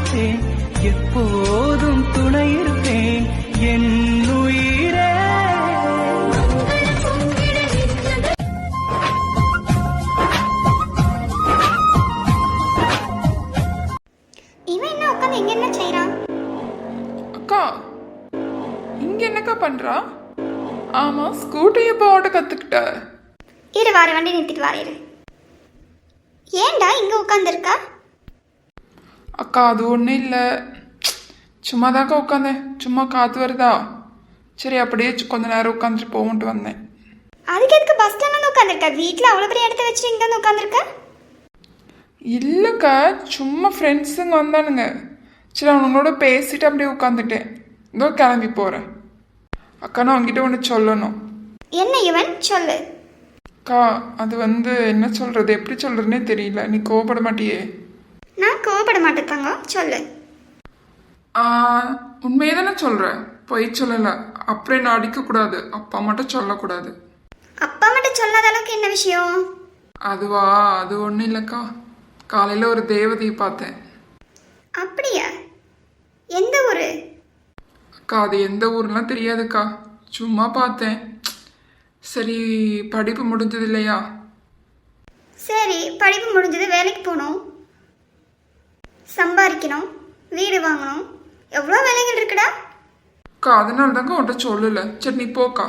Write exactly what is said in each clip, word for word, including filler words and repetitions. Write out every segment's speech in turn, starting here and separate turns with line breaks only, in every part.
காப்பேன், எப்போதும் துணை இருப்பேன் என் உயிரே.
இவன் என்ன உட்காந்து இங்க என்ன செய்யறான்?
அக்கா இங்க என்னக்கா பண்றா? ஆமா, ஸ்கூட்டி எப்போ ஓட்ட கத்துக்கிட்ட?
இரு வார வண்டி நிறுத்திட்டு வாரு. ஏன்டா இங்க உட்காந்துருக்கா?
அக்கா அது ஒன்றும் இல்லை, சும்மா தாக்கா உட்காந்தேன். சும்மா காற்று வருதா, சரி அப்படியே கொஞ்ச நேரம் உட்காந்துட்டு போகும்ட்டு வந்தேன்.
அதுக்கு எதுக்கு பஸ் ஸ்டாண்ட் வந்து உட்காந்துருக்க? வீட்டில் அவ்வளோ பெரிய இடத்த வச்சுட்டு இங்கே வந்து உட்காந்துருக்க?
இல்லைக்கா, சும்மா ஃப்ரெண்ட்ஸுங்க வந்தானுங்க, சரி அவனுங்களோட பேசிட்டு அப்படியே உட்காந்துட்டேன். இதோ கிளம்பி போகிறேன். அக்கா நான் உங்ககிட்ட ஒன்று சொல்லணும்.
என்ன இவன்? சொல்லு.
அக்கா அது வந்து என்ன சொல்கிறது, எப்படி சொல்கிறதுனே தெரியல. நீ கோவப்பட மாட்டியே?
நான் கோவப்பட மாட்டேன் தங்கம், சொல்லு.
உண்மையே தானே சொல்கிறேன், பொய் சொல்லலை. அப்படியே நான் அடிக்கக்கூடாது, அப்பா மட்டும் சொல்லக்கூடாது.
அப்பா மட்டும் சொல்லாத அளவுக்கு என்ன விஷயம்?
அதுவா, அது ஒன்றும் இல்லைக்கா, காலையில் ஒரு தேவதையை பார்த்தேன்.
அப்படியா? எந்த ஊர்?
அக்கா அது எந்த ஊர்லாம் தெரியாதுக்கா, சும்மா பார்த்தேன். சரி படிப்பு முடிஞ்சது இல்லையா?
சரி படிப்பு முடிஞ்சது, வேலைக்கு போகணும், சம்பாதிக்கணும், வீடு வாங்கணும், எவ்வளோ வேலைகள் இருக்குடா.
அக்கா அதனால தாங்க உன்கிட்ட சொல்லலை. சரி நீ போக்கா.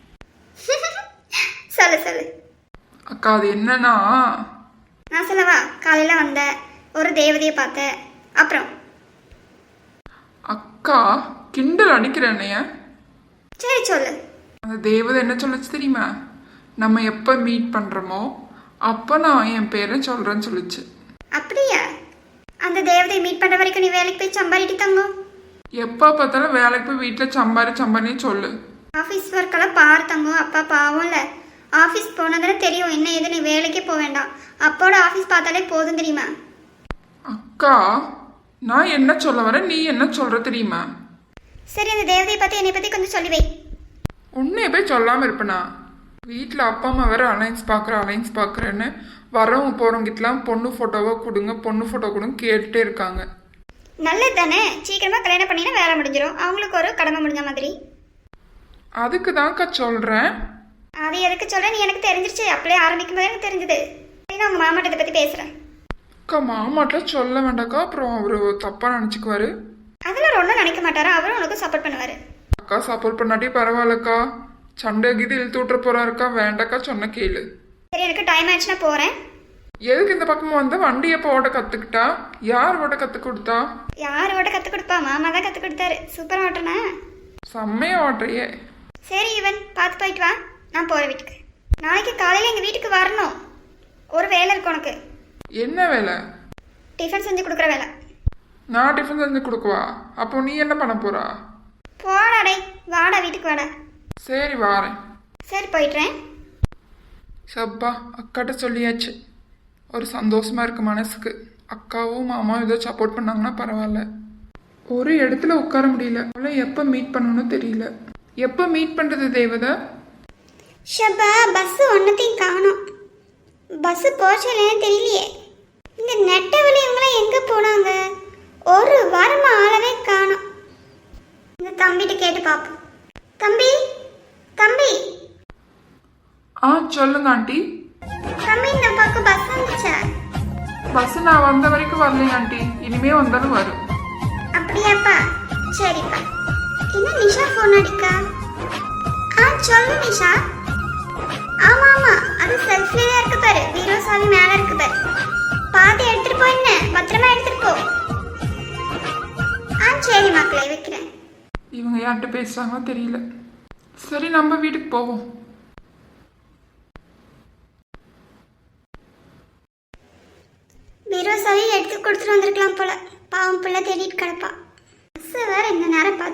சொல்லு சொல்லு.
அக்கா அது என்னன்னா,
நான் சொல்லவா? காலையில் வந்த ஒரு தேவதையை பார்த்த, அப்புறம்
அக்கா கிண்டல் அடிக்கிறேன்னைய.
சரி சொல்லு.
அந்த தேவதை என்ன சொல்லுச்சு தெரியுமா? நம்ம எப்போ மீட் பண்ணுறோமோ அப்போ நான் என் பேரை சொல்கிறேன்னு சொல்லிச்சு.
அப்படியா? அந்த தேவதையை மீட் பண்ணுற வரைக்கும் நீ வேலைக்கு போய் சம்பாதிட்டு தங்கும்.
எப்போ பார்த்தாலும் வேலைக்கு போய் வீட்டில் சம்பாரி சம்பாரினே சொல்லு.
ஆஃபீஸ் ஒர்க்கெல்லாம் பார் தங்கும். அப்பா பாவம் இல்லை, ஆஃபீஸ் போனதானே தெரியும் என்ன ஏது. நீ வேலைக்கே போக வேண்டாம், அப்போட ஆஃபீஸ் பார்த்தாலே போதும் தெரியுமா?
அக்கா நான் என்ன சொல்ல வரேன், நீ என்ன சொல்கிற தெரியுமா?
சரி அந்த தேவதையை பற்றி என்னை பற்றி கொஞ்சம் சொல்லி வை.
உன்னைய போய் சொல்லாமல் இருப்பேனா? வீட்டில் அப்பா அம்மா வேறு அலைன்ஸ் பார்க்குறேன் அலைன்ஸ் பார்க்குறேன்னு வரவங்க போகிறவங்கிட்டலாம் பொண்ணு ஃபோட்டோவை கொடுங்க பொண்ணு ஃபோட்டோ கொடுங்க கேட்டுகிட்டே இருக்காங்க.
நல்லது தானே, சீக்கிரமாக கல்யாணம் பண்ணினா வேலை முடிஞ்சிடும், அவங்களுக்கு ஒரு கடமை முடிஞ்ச மாதிரி.
அதுக்கு தான்க்கா சொல்கிறேன்.
அது எதுக்கு சொல்கிறேன், நீ எனக்கு தெரிஞ்சிருச்சு, அப்படியே ஆரம்பிக்கும் போது எனக்கு தெரிஞ்சுது. சரி நான் உங்கள் மாமாட்டத்தை பற்றி பேசுகிறேன்.
அக்கா மாமாட்ட சொல்ல வேண்டாக்கா, அப்புறம் அவர் தப்பாக நினச்சிக்குவாரு.
அதெல்லாம் ஒன்றும் நினைக்க மாட்டாரா, அவரும் உனக்கு சப்போர்ட் பண்ணுவார்.
அக்கா சப்போர்ட் பண்ணாட்டி பரவாயில்லக்கா, சண்டை கீது இழுத்து விட்டுற போறாருக்கா, வேண்டாக்கா சொன்ன கேளு.
சரி எனக்கு டைம் ஆயிடுச்சுன்னா போகிறேன்.
எதுக்கு இந்த பக்கமாக வந்து வண்டி எப்போ ஓட்ட கற்றுக்கிட்டா? யார் ஓட்ட கற்றுக் கொடுத்தா?
யார் ஓட்ட கற்றுக் கொடுப்பா? மாமா தான் கற்றுக் கொடுத்தாரு. சூப்பராக ஓட்டுனா?
செம்மையா ஓட்டுறியே.
சரி இவன் பார்த்து போயிட்டு வா, நான் போகிறேன் வீட்டுக்கு. நாளைக்கு காலையில் எங்கள் வீட்டுக்கு வரணும், ஒரு வேலை இருக்கு உனக்கு.
என்ன வேலை?
டிஃபன் செஞ்சு கொடுக்குற வேலை.
நான் டிஃபன் செஞ்சு கொடுக்குவா? அப்போ நீ என்ன பண்ண போறா?
போடாடே, வாடா வீட்டுக்கு வாடா.
சரி வாரேன்.
சரி போயிட்டுறேன்.
சப்பா அக்காட்ட சொல்லியாச்சு, ஒரு சந்தோஷமா இருக்கு மனசுக்கு. அக்காவும் மாமாவும் ஏதோ சப்போர்ட் பண்ணாங்கன்னா பரவாயில்ல. ஒரு இடத்துல உட்கார முடியல, அவளை எப்போ மீட் பண்ணணும்னு தெரியல. எப்போ மீட் பண்ணுறது தேவதை?
ஷப்பா பஸ்ஸு ஒன்றத்தையும் காணும். பஸ்ஸு போச்சலேன்னு தெரியலையே. இந்த நெட்டவழி இவங்களாம் எங்கே போனாங்க? ஒரு வாரமாக ஆளவே காணும். இந்த தம்பிகிட்ட கேட்டு பார்ப்போம். தம்பி தம்பி.
ஆ சொல்லுங்க ஆண்டி.
தம்பி இந்த பக்கம் பஸ் வந்துச்சா?
பஸ் நான் வந்த வரைக்கும் வரலைங்க ஆண்டி, இனிமே வந்தாலும் வரும்.
அப்படியாப்பா? சரிப்பா. என்ன நிஷா ஃபோன் அடிக்கா? ஆ சொல்லு நிஷா. ஆமா ஆமா, அது செல்ஃப்லேயே தான் இருக்கு பாரு, பீரோ சாவி மேலே இருக்கு பாரு, பார்த்து எடுத்துட்டு போ, என்ன பத்திரமா எடுத்துட்டு போ. ஆ சரி மக்களே, வைக்கிறேன்.
இவங்க யார்கிட்ட பேசுறாங்களோ தெரியல. சரி நம்ம வீட்டுக்கு போவோம்.
பீரோ சாவி எடுத்து கொடுத்துட்டு வந்திருக்கலாம் போல, பாவம் பிள்ளை தேடிட்டு கிடப்பா. பஸ் வேற இந்த நேரம் பார்த்து